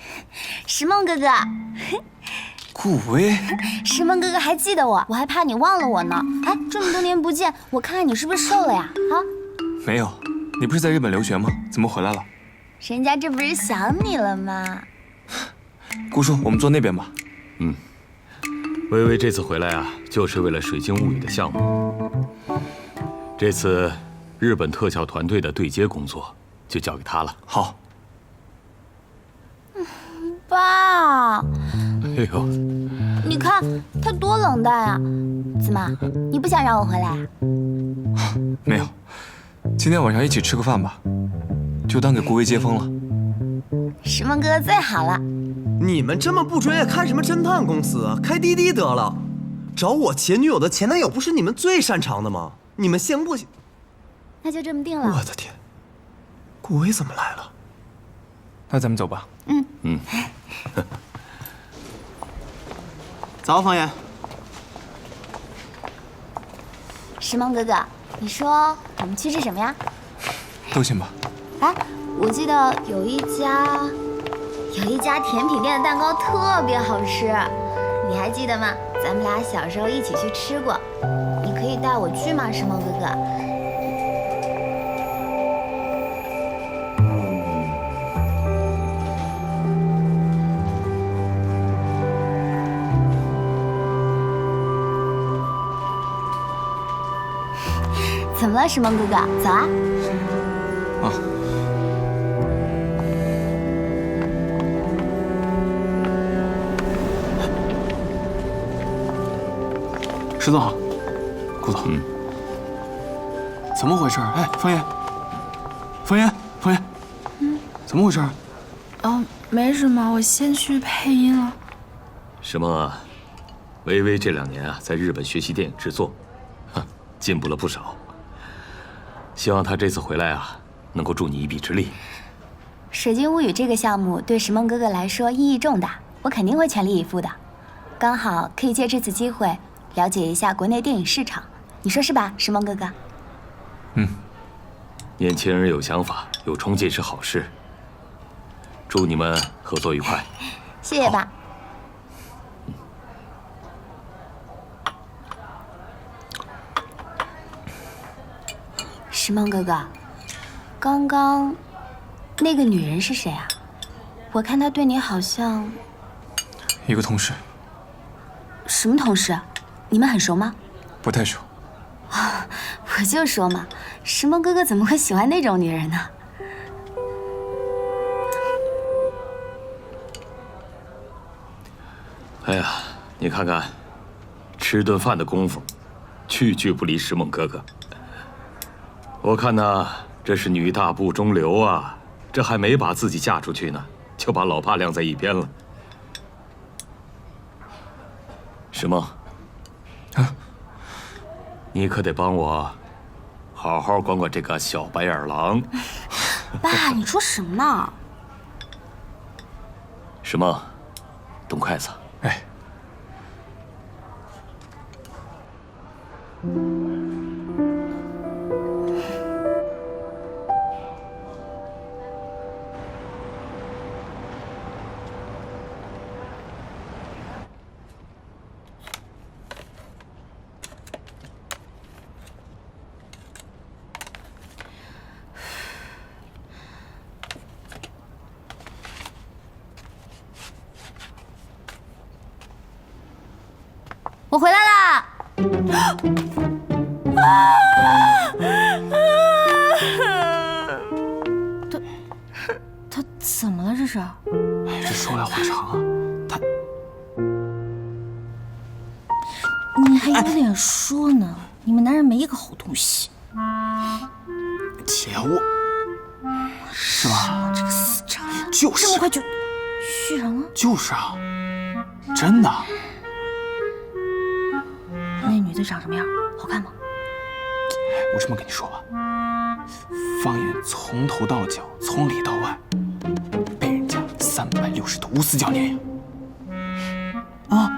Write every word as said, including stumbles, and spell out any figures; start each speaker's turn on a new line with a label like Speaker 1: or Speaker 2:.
Speaker 1: 石梦哥哥，
Speaker 2: 顾威，
Speaker 1: 石梦哥哥还记得我，我还怕你忘了我呢。哎，这么多年不见，我看看你是不是瘦了呀？啊？
Speaker 2: 没有，你不是在日本留学吗？怎么回来了？
Speaker 1: 人家这不是想你了吗？
Speaker 2: 顾叔，我们坐那边吧。
Speaker 3: 嗯，微微这次回来啊，就是为了《水晶物语》的项目。这次日本特效团队的对接工作就交给他了。
Speaker 2: 好。
Speaker 1: 爸，
Speaker 3: 哎呦，
Speaker 1: 你看他多冷淡啊！怎么，你不想让我回来啊？
Speaker 2: 没有，今天晚上一起吃个饭吧，就当给顾威接风了。
Speaker 1: 石梦哥哥最好了。
Speaker 4: 你们这么不专业，看什么侦探公司啊？开滴滴得了。找我前女友的前男友不是你们最擅长的吗？你们行不行？
Speaker 1: 那就这么定了。
Speaker 4: 我的天，顾威怎么来了？
Speaker 2: 那咱们走吧。
Speaker 1: 嗯
Speaker 3: 嗯。
Speaker 4: 早，方言。
Speaker 1: 石梦哥哥，你说我们去吃什么呀？
Speaker 2: 都行吧。
Speaker 1: 哎，我记得有一家，有一家甜品店的蛋糕特别好吃，你还记得吗？咱们俩小时候一起去吃过，你可以带我去吗，石梦哥哥？怎么了，石梦哥哥？走啊！
Speaker 2: 啊。
Speaker 5: 石总好，顾总。
Speaker 3: 嗯。
Speaker 5: 怎么回事？哎，方言，方言，方言。嗯。怎么回事？
Speaker 6: 哦，没什么，我先去配音了。
Speaker 3: 什么？微微这两年啊，在日本学习电影制作，哼，进步了不少。希望他这次回来啊，能够助你一臂之力。《
Speaker 1: 水晶物语》这个项目对石梦哥哥来说意义重大，我肯定会全力以赴的。刚好可以借这次机会了解一下国内电影市场，你说是吧，石梦哥哥？
Speaker 2: 嗯。
Speaker 3: 年轻人有想法、有冲劲是好事。祝你们合作愉快。
Speaker 1: 谢谢爸。石梦哥哥，刚刚那个女人是谁啊？我看她对你好像……
Speaker 2: 一个同事。
Speaker 1: 什么同事？你们很熟吗？
Speaker 2: 不太熟。
Speaker 1: 啊，我就说嘛，石梦哥哥怎么会喜欢那种女人呢？
Speaker 3: 哎呀，你看看，吃顿饭的功夫，句句不离石梦哥哥。我看呐，这是女大不中留啊，这还没把自己嫁出去呢，就把老爸晾在一边了。石梦，
Speaker 2: 啊，
Speaker 3: 你可得帮我好好管管这个小白眼狼。
Speaker 1: 爸，你说什么呢？
Speaker 3: 石梦，动筷子。
Speaker 2: 哎。
Speaker 1: 我回来啦！
Speaker 6: 他他怎么了？这是？
Speaker 5: 哎，这说来话长啊。他，
Speaker 6: 你还有脸说呢？你们男人没一个好东西。
Speaker 5: 姐，我是吧？
Speaker 6: 这个死渣呀！
Speaker 5: 就是
Speaker 6: 这么快就续上了？
Speaker 5: 就是啊，真的。
Speaker 6: 那女的长什么样？好看吗？
Speaker 5: 我这么跟你说吧，方言从头到脚，从里到外，被人家三百六十度无死角碾压啊！